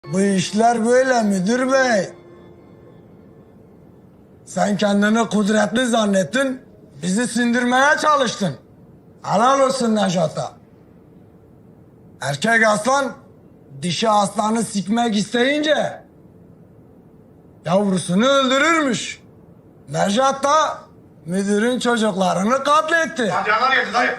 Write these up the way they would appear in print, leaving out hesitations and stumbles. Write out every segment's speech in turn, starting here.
Bu işler böyle müdür bey. Sen kendini kudretli zannettin, bizi sindirmeye çalıştın. Helal olsun Nejat'a. Erkek aslan, dişi aslanı sikmek isteyince yavrusunu öldürürmüş. Nejat da müdürün çocuklarını katletti. Canlar geldi dayı.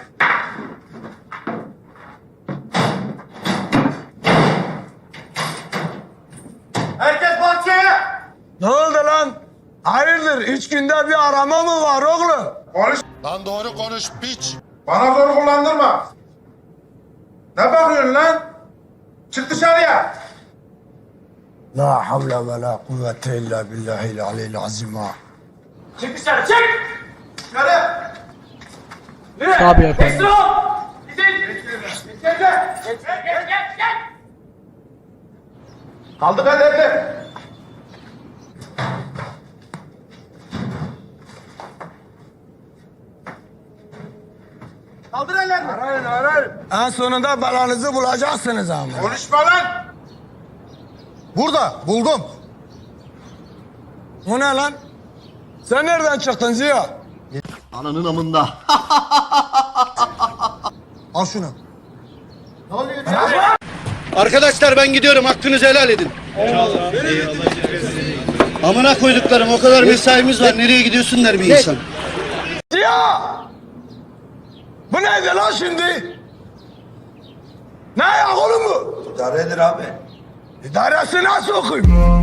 Herkes bahçeye. Ne oldu lan? Hayırdır, 3 günde bir arama mı var oğlum? Konuş. Lan doğru konuş piç. Bana zor kullandırma. Ne bakıyorsun lan? Çık dışarıya. La havle ve la kuvvete illa billahil aliyyil azim ha. Çık dışarı çık. Dışarı. Tabii efendim. Kaldık hadi hadi. Kaldır ellerini. Arayın arayın. En sonunda belanızı bulacaksınız ama. Konuşma lan. Burada buldum. Bu ne lan? Sen nereden çıktın Ziya? Ananın amında. Al şunu. Arkadaşlar ben gidiyorum. Hakkınızı helal edin. Amına koyduklarım, o kadar mesaimiz var. Nereye gidiyorsun der bir insan. Ziya! Bu neydi lan şimdi? Ne ayak oğlum bu? İdaredir abi. İdaresi nasıl okuyayım?